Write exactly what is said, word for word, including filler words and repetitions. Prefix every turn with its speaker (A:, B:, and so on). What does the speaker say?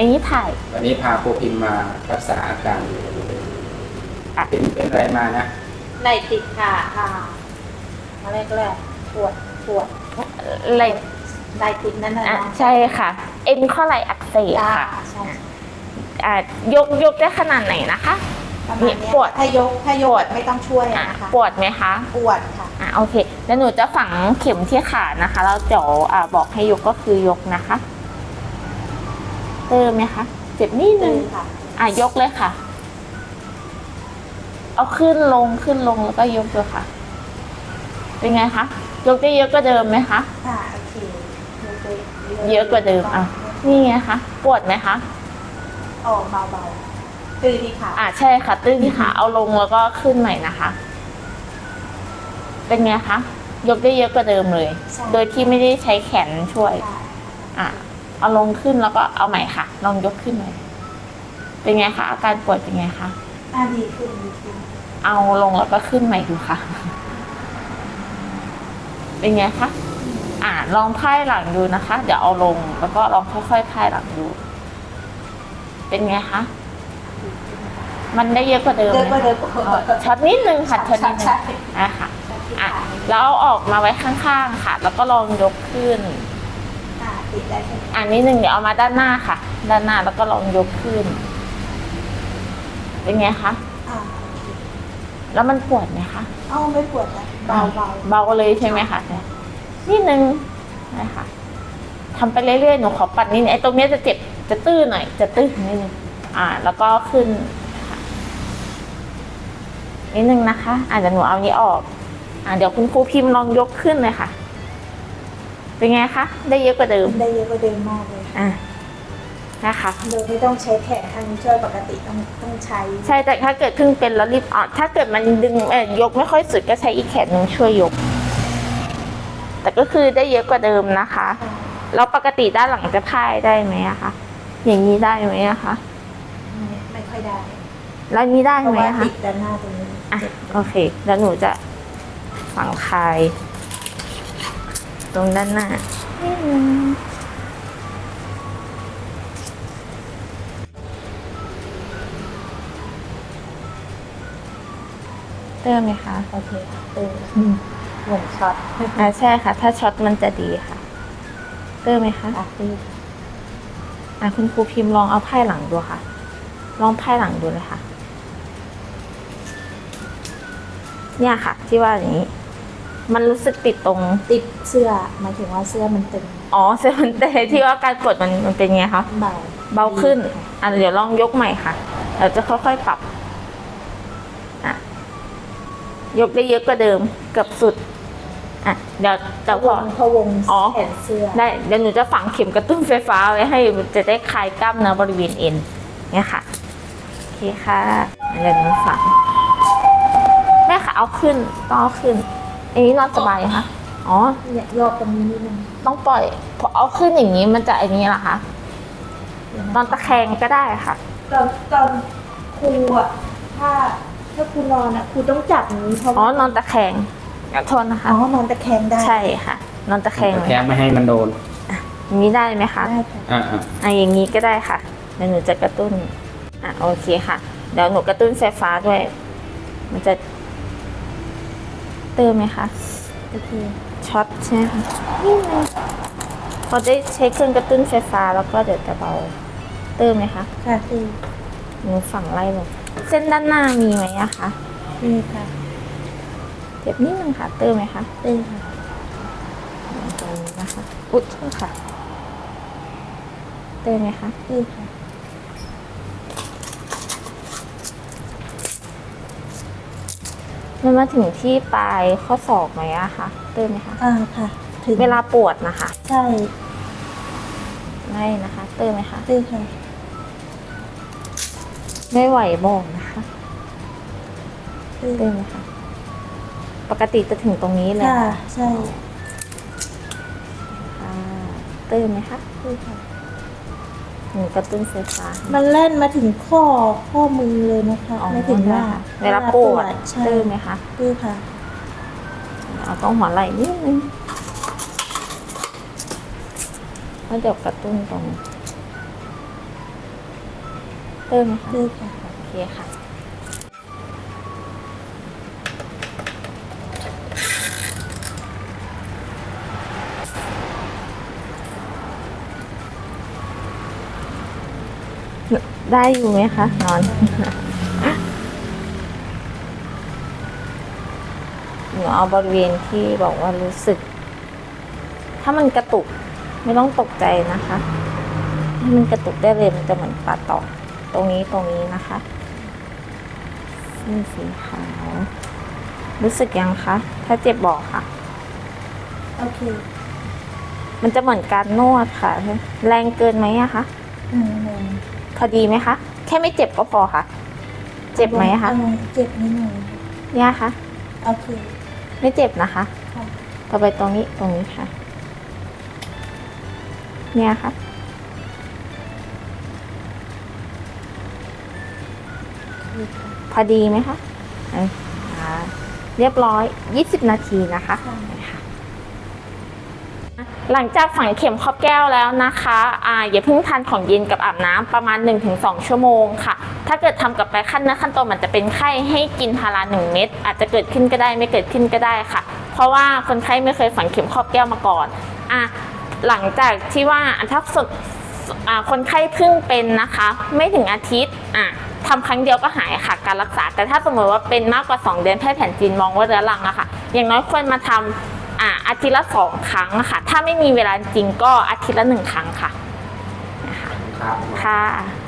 A: อันนี้ถ่าย
B: วันนี้พาครูพิมพ์มารักษาอาการเป็นเป็นอะไรมานะ
C: ไหล่ติดค่ะค่ะมาแรกแรกปวดปวด
A: ไหล่
C: ไหล่ติดนั่นนะ
A: ใช่ค่ะเอ็นข้อไหล่อักเสบค่ะ
C: ใช่
A: อ่ายกยกได้ขนาดไหนนะคะ
C: นี่ปวดถ้ายกถ้ายกไม่ต้องช่วยนะคะ
A: ปวดไหมคะ
C: ปวดค่ะ
A: อ่าโอเคแล้วหนูจะฝังเข็มที่ขานะคะแล้วเดี๋ยวอ่าบอกให้ยกก็คือยกนะคะเติมไหมคะเจ็บนิดนึงอ่ะยกเลยค่ะเอาขึ้นลงขึ้นลงแล้วก็ยกเลยค่ะเป็นไงคะยกได้เยอะกว่าเดิมไหมคะ
C: ค่ะโอเค
A: เยอะกว่าเดิมอ่ะนี่ไงคะปวดไหมคะ
C: อ๋อเบาๆตื้อที่ขา
A: อ่ะใช่ค่ะตื้อที่ขาเอาลงแล้วก็ขึ้นใหม่นะคะเป็นไงคะยกได้เยอะกว่าเดิมเลยโดยที่ไม่ได้ใช้แขนช่วยอ่ะเอาลงขึ้นแล้วก็เอาใหม่ค่ะลองยกขึ้นใหม่เป็นไงคะอาการปวดเป็นไงคะ
C: อ่าดีขึ้นดีขึ้น
A: เอาลงแล้วก็ขึ้นใหม่ดูค่ะเป็นไงคะอ่าลองไพ่หลังดูนะคะเดี๋ยวเอาลงแล้วก็ลองค่อยๆไพ่หลังดูเป็นไงคะมันได้เยอะกว่าเดิม
C: เยอะกว่าเดิม
A: ช็อตนิดนึงค่ะช็อตนิดนึงอ่ะค่ะอ่ะแล้วเอาออกมาไว้ข้างๆค่ะแล้วก็ลองยกขึ้น
C: ติดได้ใช่ไหม
A: อันนี้หนึ่งเดี๋ยวเอามาด้านหน้าค่ะด้านหน้าแล้วก็ลองยกขึ้นเป็นไงคะแล้วมันปวดไหมคะ
C: อ้าวไม่ปวดนะเบาเบา
A: เบาเลยใช่ไหมคะนิดนึงนะคะทำไปเรื่อยๆหนูขอปัดนิดนึงไอ้ตรงนี้จะเจ็บจะตื้อหน่อยจะตื้อนิดนึงอ่าแล้วก็ขึ้นค่ะนิดนึงนะคะอ่าเดี๋ยวหนูเอานี้ออกอ่าเดี๋ยวคุณครูพิมพ์ลองยกขึ้นเลยค่ะเป็นไงคะได้เยอะกว่าเดิม
C: ได้เยอะกว่าเดิมมากเลย
A: อ่ะนะคะ
C: โดยไม่ต้องใช้แขนทางช่วยปกติต้องต้องใช้
A: ใช่แต่ถ้าเกิดเพิ่งเป็นแล้วรีบออกถ้าเกิดมันดึงเอ่ยกไม่ค่อยสุดก็ใช้อีกแขนนึงช่วยยกแต่ก็คือได้เยอะกว่าเดิมนะคะแล้วปกติด้านหลังจะพ่ายได้ไหมอะคะอย่างนี้ได้ไหมอะคะ
C: ไม่ค่อยได้
A: แล้วนี้ได้ไหมคะ
C: ติดด้านหน้าตรงนี้
A: อ่ะโอเคแล้วหนูจะฝังคายตรงด้านหน้าเติมไหมคะ
C: โอเคเติมหมุนช็อต
A: อ่าใช่ค่ะถ้าช็อตมันจะดีค่ะเติมไหมคะ
C: อ่ะเติม
A: อ่ะคุณครูพิมพ์ลองเอาไพ่หลังดูค่ะลองไพ่หลังดูเลยค่ะเนี่ยค่ะที่ว่าอย่างนี้มันรู้สึกติดตรง
C: ติดเสื้อหมายถึงว่าเสื้อมันตึง
A: อ๋อเสื้อมันตึงที่ว่าการปวดมันมันเป็นไงคะ
C: เบา
A: เบาขึ้นอ่ะเดี๋ยวลองยกใหม่ค่ะเราจะค่อยๆปรับอ่ะยกได้เยอะกว่าเดิมเกือบสุดอ่ะเดี๋ยวเดี๋ยวพอ
C: พวงแขนเสื้อ
A: ได้เดี๋ยวหนูจะฝังเข็มกระตุ้นไฟฟ้าไว้ให้จะได้คลายกล้ามเนื้อบริเวณเอ็นเนี่ยค่ะโอเคค่ะเดี๋ยวหนูฝังแม่ค่ะเอาขึ้นต้องเอาขึ้นอันนี้นอนสบายคะอ๋อ
C: เนี่ยยอดตรงนี้นิดนึง
A: ต้องปล่อยพอเอาขึ้นอย่างนี้มันจะอันนี้เหรอคะนอนตะแคงก็ได้ค่ะ
C: ตอนตอนครูอ่ะถ้าถ้าครูนอนอ่ะครูต้องจับนี้เพราะ
A: อ๋อนอนตะแคงขอโทษนะคะ
C: อ๋อนอนตะแคงได้
A: ใช่ค่ะนอนตะแคง
B: ตะแคงไม่ให้มันโดน
A: อย่างนี้ได้ไหมคะ
C: ได้ค่ะ
B: อ่า
A: อ่าอย่างนี้ก็ได้ค่ะเดี๋ยวหนูจะกระตุ้นอ่ะโอเคค่ะเดี๋ยวหนูกระตุ้นไฟฟ้าด้วยมันจะเติมไหมคะ
C: โอเค
A: ช็อตใช่ไหมคะนี่ไงพอได้ใช้เครื่องกระตุ้นไฟฟ้าแล้วก็เดี๋ยวจะเบาเติมไหมคะ
C: ค่ะเติม
A: หนูฝั่งไล่ลงเส้นด้านหน้ามีไหมอะคะ
C: มีค่ะ
A: เจ็บนิดนึงค่ะเติมไหมคะ
C: เติมค่ะ
A: ตรงนี้นะคะอุ๊ยค่ะเติมไหมคะ
C: เติมค่ะ
A: มันมาถึงที่ปลายข้อศอกไหมอะคะเติมไหมคะ
C: อ่าค่ะ
A: ถึงเวลาปวดนะคะ
C: ใช่
A: ไม่นะคะเติมไหมคะ
C: เติมค่ะ
A: ไม่ไหวบอกนะคะเติมไหมคะปกติจะถึงตรงนี้เลย
C: ค่ะใช่
A: ค่ะเติมไหมคะเติมค่ะหนูกระตุ้นไฟฟ้า
C: มันเล่นมาถึงข้อข้อมือเลยนะคะไม่ถึงว่า
A: เวลาปวดเติมไหมคะ
C: เติมค่ะ
A: เอาต้องหัวไหล่นิดนึงแล้วเดี๋ยวกระตุ้นตรงพิ่มไหมคะ
C: เลิกค่ะ
A: โอเคค่ะได้อยู่ไหมคะนอน หนูเอาบริเวณที่บอกว่ารู้สึก ถ้ามันกระตุกไม่ต้องตกใจนะคะถ้ามันกระตุกได้เลยมันจะเหมือนปลาตอกตรงนี้ตรงนี้นะคะเส้นสีขาวรู้สึกยังคะถ้าเจ็บบอกค่ะ
C: โอเค
A: มันจะเหมือนการนวดค่ะ แรงเกินไหมอะคะ
C: หนึ่งหนึ่ง
A: พอดีไหมคะ แค่ไม่เจ็บก็พอค่ะ เจ็บไหมคะ
C: เออเจ็บนิดหน่อย
A: ย่าคะ
C: โอเค
A: ไม่เจ็บนะคะ
C: ค่ะ
A: ต่อไปตรงนี้ตรงนี้ค่ะ เนี่ยค่ะ พอดีไหมคะเอ้ยอ่าเรียบร้อยยี่สิบนาทีนะคะค่ะ หลังจากฝังเข็มครอบแก้วแล้วนะคะอ่าอย่าเพิ่งทานของเย็นกับอาบน้ำประมาณ หนึ่งถึงสอง ชั่วโมงค่ะ ถ้าเกิดทำกับไปขั้นเนื้อขั้นตัวมันจะเป็นไข้ให้กินพาราหนึ่งเม็ดอาจจะเกิดขึ้นก็ได้ไม่เกิดขึ้นก็ได้ค่ะ เพราะว่าคนไข้ไม่เคยฝังเข็มครอบแก้วมาก่อนอ่ะหลังจากที่ว่าถ้าสดอ่าคนไข้เพิ่งเป็นนะคะ ไม่ถึงอาทิตย์อ่ะทำครั้งเดียวก็หายค่ะการรักษา แต่ถ้าสมมติว่าเป็นมากกว่าสองเดือนแพทย์แผนจีนมองว่าเรื้อรังอะค่ะอย่างน้อยควรมาทำอ่าอาทิตย์ละสองครั้งอะค่ะถ้าไม่มีเวลาจริงก็อาทิตย์ละหนึ่งครั้งค่ะ
B: ครับ
A: ค่ะ